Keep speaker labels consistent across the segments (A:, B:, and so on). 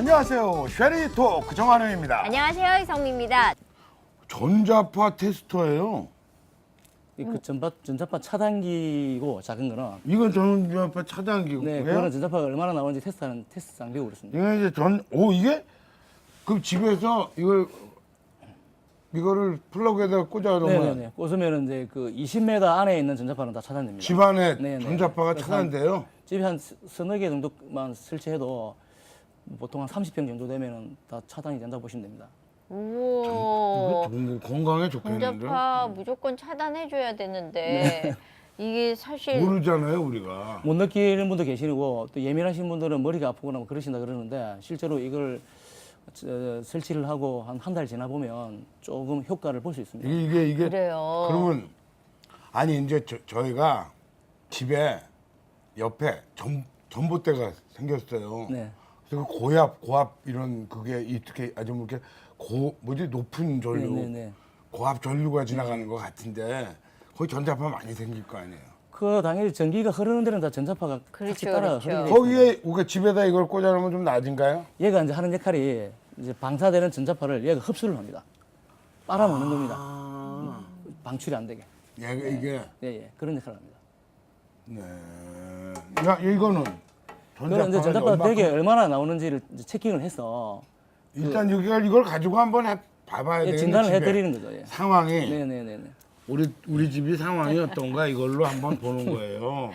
A: 안녕하세요. 쉐리토크 정한우입니다.
B: 안녕하세요, 이성미입니다.
A: 전자파 테스터예요.
C: 그 전자파 차단기고 작은 거는
A: 이건 전자파 차단기고요.
C: 네, 그거는 전자파가 얼마나 나오는지 테스트하는 테스트 장비고 그렇습니다.
A: 이건 이제 이게 그럼 집에서 이거를 플러그에다가 꽂아 놓으면
C: 네네네. 꽂으면 이제 그 20m 안에 있는 전자파는 다 차단됩니다.
A: 집 안에
C: 네네.
A: 전자파가
C: 그래서
A: 차단돼요.
C: 집에 한 서너 개 정도만 설치해도 보통 한 30평 정도 되면은 다 차단이 된다고 보시면 됩니다.
B: 오,
A: 건강에 좋겠는데.
B: 전자파 무조건 차단해줘야 되는데 이게 사실
A: 모르잖아요 우리가.
C: 못 느끼는 분도 계시고 또 예민하신 분들은 머리가 아프거나 뭐 그러신다 그러는데 실제로 이걸 설치를 하고 한 달 지나 보면 조금 효과를 볼 수 있습니다.
A: 이게
B: 그래요.
A: 그러면 아니 이제 저희가 집에 옆에 전봇대가 생겼어요.
C: 네.
A: 그래서 고압 이런 그게 이렇게 아주 뭐 이렇게 높은 전류,
C: 네네네.
A: 고압 전류가 지나가는 것 같은데 거기 전자파 많이 생길 거 아니에요.
C: 그 당연히 전기가 흐르는 데는 다 전자파가
B: 그렇죠,
C: 같이 따라
B: 그렇죠.
C: 흐르게 돼 있습니다.
A: 거기에 우리가 집에다 이걸 꽂아놓으면 좀 낮은가요?
C: 얘가 이제 하는 역할이 이제 방사되는 전자파를 얘가 흡수를 합니다. 빨아먹는 겁니다. 방출이 안 되게.
A: 이게
C: 예, 그런 역할을 합니다.
A: 네. 야 이거는
C: 그런 이제 전자파 되게 얼마나 나오는지를 이제 체킹을 해서
A: 일단 여기가 이걸 가지고 한번 봐봐야
C: 예,
A: 되겠네.
C: 진단을
A: 집에.
C: 해드리는 거죠. 예.
A: 상황이
C: 네네네네.
A: 우리 집이 상황이 어떤가 이걸로 한번 보는 거예요.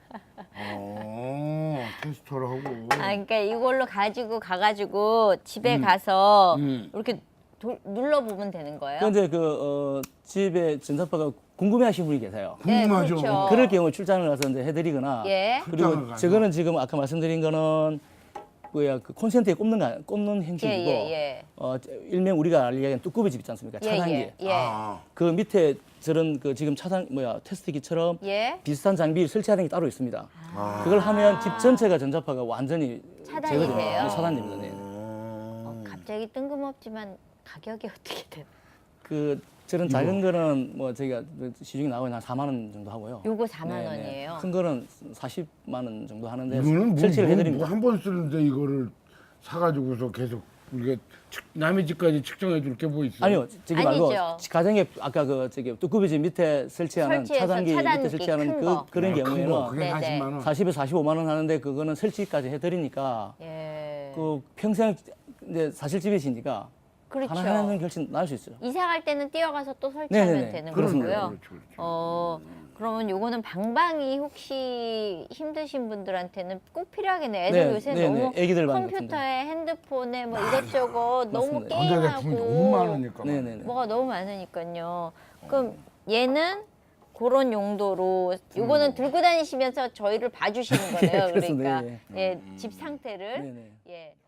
A: 테스터를 하고.
B: 그러니까 이걸로 가가지고 집에 가서 이렇게 눌러보면 되는 거예요.
C: 그런데 집에 전자파가 궁금해하시는 분이 계세요.
A: 궁금하죠.
B: 네, 그렇죠.
C: 그럴 경우 출장을 가서 이제 해드리거나
B: 예.
A: 출장을
C: 그리고
A: 가서.
C: 저거는 지금 아까 말씀드린 거는 그 콘센트에 꼽는 형식이고
B: 예.
C: 일명 우리가 알기에는 뚜꾸비 집 있지 않습니까? 차단기.
B: 예.
C: 그 밑에 저런 그 지금 테스트기처럼
B: 예.
C: 비슷한 장비 설치하는 게 따로 있습니다. 그걸 하면 집 전체가 전자파가 완전히
B: 차단이
C: 제거됩니다.
B: 돼요?
C: 네, 차단됩니다. 네.
B: 갑자기 뜬금없지만 가격이 어떻게 돼요?
C: 그 저런 작은 거는 뭐 저희가 시중에 나오는 한 4만 원 정도 하고요.
B: 요거 4만
C: 네네.
B: 원이에요.
C: 큰 거는 40만 원 정도 하는데
A: 이거는
C: 설치를 해드립니다.
A: 한 번 쓰는데 이거를 사가지고서 계속 우리가 남의 집까지 측정해 줄 게 뭐 있어요?
C: 아니요, 저기 말고
B: 아니죠.
C: 가정에 아까 뚜꾸비 집 밑에 설치하는
B: 설치해서
C: 차단기 밑에
B: 차단기
C: 설치하는
B: 큰 거.
C: 그런
A: 큰 거,
C: 경우에는
A: 그게
B: 네네.
A: 40만 원.
C: 40에서 45만 원 하는데 그거는 설치까지 해드리니까
B: 예.
C: 그 평생 이제 사실 집이시니까
B: 그렇죠.
C: 하나하나는 결심 나을 수 있어요.
B: 이사 갈 때는 뛰어가서 또 설치하면
C: 네네네.
B: 되는
C: 그렇습니다.
B: 거고요.
A: 그렇죠.
B: 그러면 요거는 방방이 혹시 힘드신 분들한테는 꼭 필요하겠네요. 애들 요새 너무
C: 애기들 방 같은데.
B: 컴퓨터에 핸드폰에 뭐 이것저것 너무
C: 맞습니다.
A: 전자제품이 너무
B: 게임하고
A: 많으니까.
C: 네네네.
B: 뭐가 너무 많으니까요. 그럼 얘는 그런 용도로 요거는 들고 다니시면서 저희를 봐주시는 거네요.
C: 그렇습니다.
B: 그러니까 예, 집 상태를
C: 네네.
B: 예.